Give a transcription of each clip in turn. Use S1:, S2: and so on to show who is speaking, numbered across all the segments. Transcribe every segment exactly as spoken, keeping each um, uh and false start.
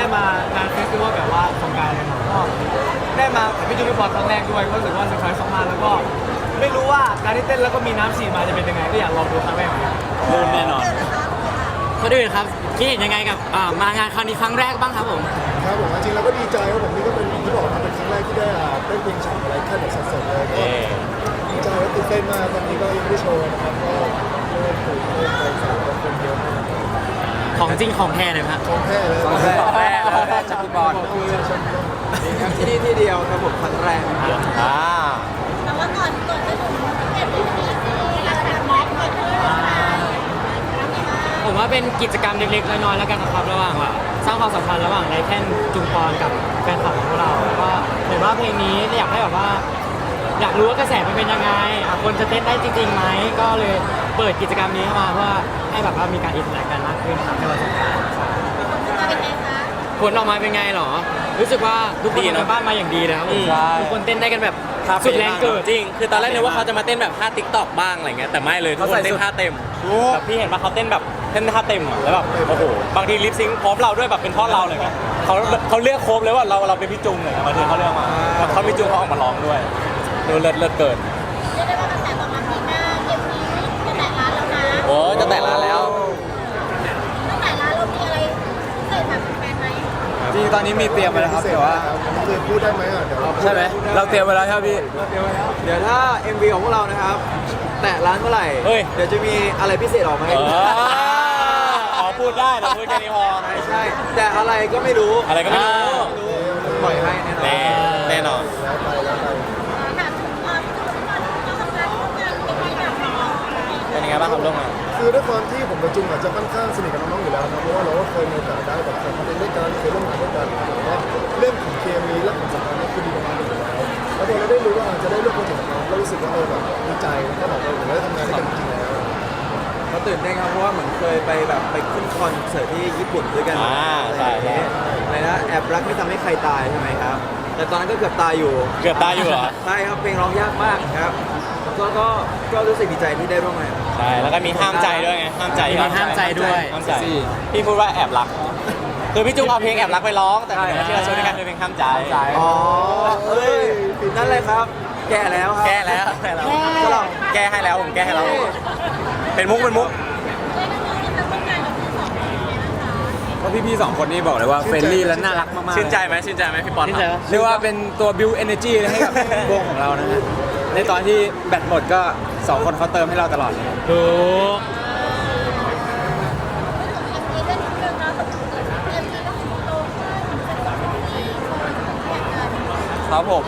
S1: ได้มางานเฟสติวัลแบบว่าสงกรานต์เลยครับก็ได้มากับพี่จูพี่พอครั้งแรกด้วยก็รู้สึกว่าเซอร์ไพรส์มากๆแล้วก็ไม่รู้ว่าการที่เต้นแล้วก็มีน้ำฉีดมาจะเป็นยังไงก็อยากลองดูครั้งแรกเหมือนกัน
S2: ลื่นแน่นอน
S3: ก็ด้วยครับคิดเห็นยังไงกับอ่ามางานครั้งนี้ครั้งแรกบ้างครับผม
S4: ครับผมจริงๆเราก็ดีใจครับผมนี่ก็เป็นที่บอกนะเป็นครั้งแรกที่ได้อ่าเต้นเพลงฉ่ำอะไรแค่แบบสดๆเลยก็ดีใจและตื่นเต้นมากตอนนี้ก็ยังไม่ได้โชว์นะครับก็เริ่มตื่นเต้นไปสามคนเยอะมาก
S3: ของจริงของแท้เลยครับ
S4: ของแท้เลย
S2: ของแท้ของแท้ของแท้จากพี่บอล
S1: ที่นี่ที่เดียวครับผมครั้งแรก
S2: อ่า
S5: แต่ว่าก่อนก่อนจะถึงเก็บที่นี่เราจะทำแม็กซ์ก่อนเลยค่ะ
S3: ผมว่าเป็นกิจกรรมเล็กๆน้อยๆแล้วกันนะครับระหว่างว่าสร้างความสัมพันธ์ระหว่างไรแค่นจุงปอนกับแฟนคลับของพวกเราแล้วก็เห็นว่าเพลงนี้อยากให้แบบว่า อยากรู้ว่ากระแสมันเป็นยังไงอ่ะคนจะเต้นได้จริงๆไหมก็เลยเปิดกิจกรรมนี้เข้ามาเพื่อให้แบบว่ามีการอินเตอร์แอคกันมากขึ้นครับในวันสงกรานต์
S5: จะเป็นไงคะ
S3: ผลออกมาเป็นไงหรอ รู้สึกว่าทุกคนทำบ้านมาอย่างดีนะครับผมทุกคนเต้นได้กันแบบสุดแรงเกิด
S2: จริงคือตอนแรกนึกว่าเขาจะมาเต้นแบบท่าติ๊กต็อกบ้างอะไรเงี้ยแต่ไม่เลยทุกคนเต้นท่าเต็มแบบพี่เห็นว่าเขาเต้นแบบเต้นท่าเต็มอะแล้วแบบโอ้โหบางทีลิปซิงค์พร้อมเราด้วยแบบเป็นท่อนเราเลยไงเขาเขาเลือกโครบเลยว่าเราเราเป็นพี่จุงเลยบางทีเขาเลือกมาแล้วเขาพี่จุงเขาออกมาร้องด้วยดูเลิศเลิศเกิน
S5: เรียกได้ว่ากระแสตอบรับดีมากเกมนี้จะแตะร้านแล้วนะ
S2: โอ้จะแต่ละแล้ว
S5: ตั้งแต่ร้านเรามีอะไรเคยทำแฟนไหม
S1: จริงตอนนี้มีเตรียมไว้แล้วครับแต่ว่า
S4: เคยพูดได้ไหมอ่ะเดี๋ยวเราพูด
S1: ใช่ไหมเราเตรียมไว้แล้วใช่ไหมพี่เดี๋ยวถ้า เอ็ม วี ของพวกเรานะครับแตะร้านเมื่อไหร่
S2: เฮ้ย
S1: เดี๋ยวจะมีอะไรพิเศษออกมา
S2: เอ
S1: ให้
S2: อขอพูดได้แต่พูดแค่นี้พอ
S1: ใช่ใช่แต่อะไรก็ไม่รู้
S2: อะไรก็ไม่รู้
S1: ปล่อยให้แน่นอน
S2: แน่แน่นอน
S4: แล้วไปแล้วไป
S5: ถามถึงตอนที่ทุกคนเราทำงานร่วมกันเป็นไงบ้างคะ
S2: เป็นยังไงบ้างครับลูกอ่ะ
S4: คือด้วยความที่ผมกับจุงอาจจะค่อนข้างสนิทกับน้องๆอยู่แล้วนะเพราะว่าเราก็เคยมีโอกาสได้แบบทำคอนเทนต์ด้วยกันเคยร่วมงานด้วยกันแต่ว่าเรื่องของเคมีและของสัมพันธ์นี่คือดีมากๆอยู่แล้วแล้วพอเราได้รู้ว่าจะได้ร่วมโปรเจกต์กับน้องก็รู้สึกว่าเออแบบดีใจแล้วก็แบบเออเราได้ทำงานด้วยกันจริงๆแล้ว
S1: เขาตื่นเต้นครับเพราะว่าเหมือนเคยไปแบบไปขึ้นคอนเสิร์ตที่ญี่ปุ่นด้วยกัน
S2: อ่าใช่ใช่
S1: อะไรนะแอบรักไม่ทำให้ใครตายใช่ไหมครับ แต่ตอนนั้นก็เกือบตายอยู่
S2: เกือบตายอยู่เหรอ
S1: ใช่ครับเพลงร้องยากมากครับก็ก็ก็รู้สึกดีใจที่ได้ร่วมงาน
S2: ใช่แล้วก็มีห้ามใจด้วยไงห้ามใจ
S3: มีห้ามใจด้วย
S2: ห้ามใจพี่พูดว่าแอบรักคือพี่จุ๊กเอาเพลงแอบรักไปร้องแต่ที่เราโชว์ด้วยกันคือเพลงห้ามใจ
S1: อ๋อเอ้ยนั่นเลยครับ แก่แล้วครับ
S2: แก้แล้วแก้แล้วก็ลองแก้ให้แล้วผมแก้ให้แล้วเป็นมุกเป็นมุก
S1: ก็พี่ๆสองคนนี้บอกเลยว่าเฟรนลี่และน่ารักมากๆ
S2: ชื่นใจไหมชื่นใจไหมพี่ปอน
S3: ชื่นใจปะ
S1: เรียกว่าเป็นตัวบิวเอเนจีให้กับวงของเรานะฮะในตอนที่แบตหมดก็สองคนเขาเติมให้เราตลอดเลย
S3: ถูก
S1: ครับผม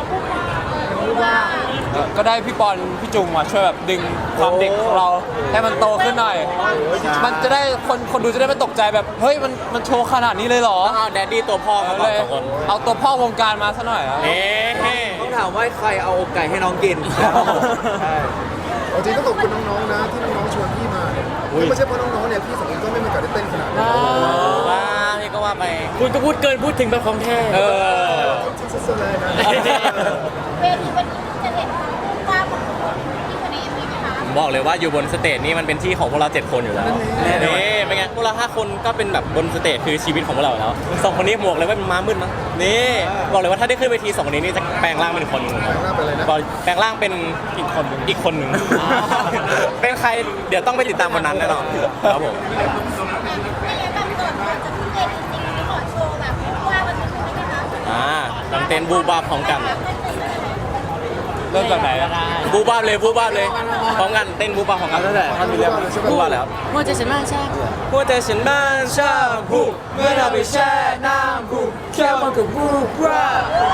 S1: ก็ได้พี่ปอนพี่จุงมาช่วยแบบดึงความเด็กของเราให้มันโตขึ้นหน่อย มันจะได้คนคนดูจะได้ไม่ตกใจแบบเฮ้ยมันมันโชว์ขนาดนี้เลยเหรอ
S2: ต้องเอาแดดดี้ตัวพ่อมาก่
S1: เล
S2: อน
S1: ย
S2: สองคน
S1: เอาตัวพ่อวงการมาซะหน่อย
S2: เอ๊ะ
S1: ต้องถามว่าใครเอาอกไก่ให้น้องกินใช่
S4: เอาจริงต้องขอบคุณน้องๆนะที่น้องๆชวนพี่มาเนี่ยถ้าไม่ใช่เพราะน้องๆเนี่ยพี่สองคนก็ไม่มีโอกาสได้เต้นขนาดนี้
S2: ว้าพี่ก็ว่าไป
S3: คุณก็พูดเกินพูดถึงแบบของแท้
S2: เออ
S4: จริงๆสุดๆเลยนะ
S5: เวทีวันนี้จะเห็นภาพของที่คนในเอ็มวีไหมคะ
S2: ผมบอกเลยว่าอยู่บนสเตจนี่มันเป็นที่ของพวกเราเจ็ดคนอยู่แล้วนี่เป็นไงพวกเราห้าคนก็เป็นแบบบนสเตจคือชีวิตของพวกเราแล้วสองคนนี้หมวกเลยว่าเป็นม้ามืดมั้งนี่บอกเลยว่าถ้าได้ขึ้นเวทีสองคนนี้นี่จะแปลงร่างเป็นคนหนึ่ง
S4: แปลงร่างเป็นอะไรนะ
S2: แปลงร่างเป็นอีกคนหนึ่งอีกคนหนึ่งเป็นใครเดี๋ยวต้องไปติดตามวันนั้นแน่นอนครับผม
S5: ไม่งั้นแบบก่อนก่อนจะขึ้นเวทีจริงๆขอโชว์แบบว่าวันนี้ได้ไหมคะ
S2: อ่าต้องเต้นบูบาบพร้อมกัน
S1: เริ่มจากไหนอะ
S2: บูบาบเลยบูบาบเลยพร้อมกันเต้นบูบาบพร้อมกัน
S1: ตั้งแต่ท่านมีเรื่อง
S2: บูบาบแล้ว
S3: มัวใจฉันมากใช่
S2: หัวใจฉันบ้านชาบูเมื่อเราไปแช่น้ำบูแค่มันก็บูบา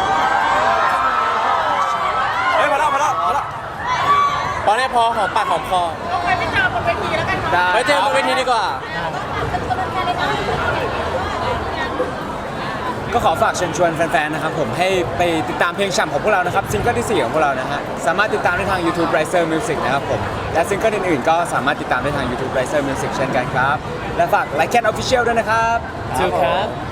S2: เฮ้ยมาแล้วมาแล้วมาแล้วตอนนี้พอหอมปากหอมคอ
S5: เอาไปไม่เจอบนเวทีแล้วกันค่ะ
S2: ไปเจอบนเวทีดีกว่า
S5: เป็นกำลังใจเลยนะ
S1: ก็ขอฝากเชิญชวนแฟนๆ นะครับผมให้ไปติดตามเพลงฉ่ำของพวกเรานะครับซิงเกิลที่สี่ของพวกเรานะฮะสามารถติดตามได้ทาง YouTube Riser Music นะครับผมและซิงเกิลอื่นๆก็สามารถติดตามได้ทาง YouTube Riser Music เช่นกันครับและฝาก Like Cat Official ด้วยนะครับ
S3: ถูกครับ